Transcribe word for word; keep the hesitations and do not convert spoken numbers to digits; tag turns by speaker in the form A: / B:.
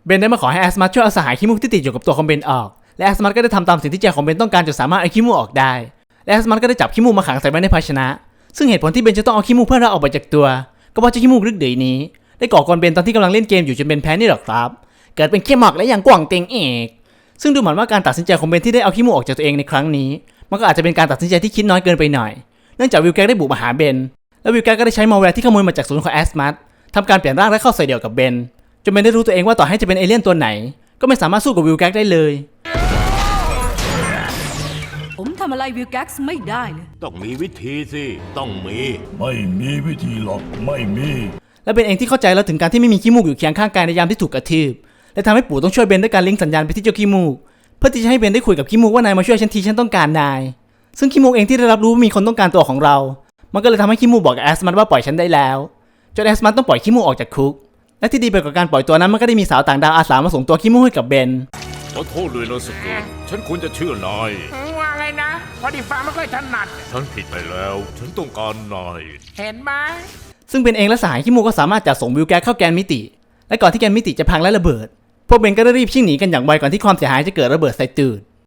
A: เบนได้มาขอให้แอสมัสช่วยเอาสหายขี้มูกที่ติดอยู่กับตัวของเบนออกและแอสมัสก็ได้ทำตามสิ่งที่ใจของเบนต้องการจนสามารถเอาขี้มูกออกได้และแอสมัสก็ได้จับขี้มูกมาขังใส่ไว้ในภาชนะซึ่งเหตุผลที่เบนจะต้องเอาขี้มูกเพื่อนเราออกไปจากตัวก็เพราะเจ้าขี้มูกลึกเดือยนี้ได้ก่อกวนเบนตอนที่กำลังเล่นเกมอยู่จนเบนแพ้นี่หรอครับเกิดเป็นขี้หมอกและอย่างกว่างเต็งเอกซึ่งดูเหมือนว่าการตัดสินใจของเบนที่ได้เอาขี้มูกออกจากตัวเองในครั้งนี้มันก็อาจจะเป็นการตัดสินใจที่คิดน้อยเกินไปหน่อยเนื่องจากวิลแกกได้บุกมาหาเบนและวิลแกกก็ได้ใช้มาแวร์ที่ขโมยมาจากศูนย์ของแอสมัสทำการเปลี่ยนร่างและเข้าใส่เดี่ยวกับเบนจนเบนได้รู้ตัวเองว่าต่อให้จะเป็นเอเลี่ยนตัวไหนก็ไม่สามารถสู้กับวิลแกกได้เลย
B: ผมทำอะไรวิลแก๊กซ์ไม่ได้เลย
C: ต้องมีวิธีสิต้องมี
D: ไม่มีวิธีหรอกไม่มี
A: และเบนเองที่เข้าใจแล้วถึงการที่ไม่มีขี้มูกอยู่เคียงข้างกายในยามที่ถูกกระทืบและทำให้ปู่ต้องช่วยเบนด้วยการลิงก์สัญญาณไปที่เจ้าขี้มูกเพื่อที่จะให้เบนได้คุยกับขี้มูกว่านายมาช่วยฉันทีฉันต้องการนายซึ่งขี้มูกเองที่ได้รับรู้ว่ามีคนต้องการตัวของเรามันก็เลยทำให้ขี้มูกบอกกับแอสมัสว่าปล่อยฉันได้แล้วจนแอสมัสต้องปล่อยขี้มูกออกจากคุกและที่ดีไปกว่าการปล่อยตัวนั้นมันก็ได้มีสาวต่างดาวอาสามาส่งตัวขี้มูกให้กับเบน
C: ขอโทษเลยนะสเกตฉันควรจะเชื่อนาย
E: ว่าไงนะพอดีฟังไม่ค่อยถนัด
C: ฉันผิดไปแล้วฉันต้องการนาย
E: เห็นไหม
A: ซึ่งเบนเองและสหายขี้มูกก็สามารถจัดส่งวิลแกกเข้าแกนมิติและก่อนที่แกนมิติจะพังและระเบิดพวกเบนก็ได้รีบชิ่งหนีกันอย่างไวก่อนที่ความเสียหายจะเกิดระเบิดใส่ตูด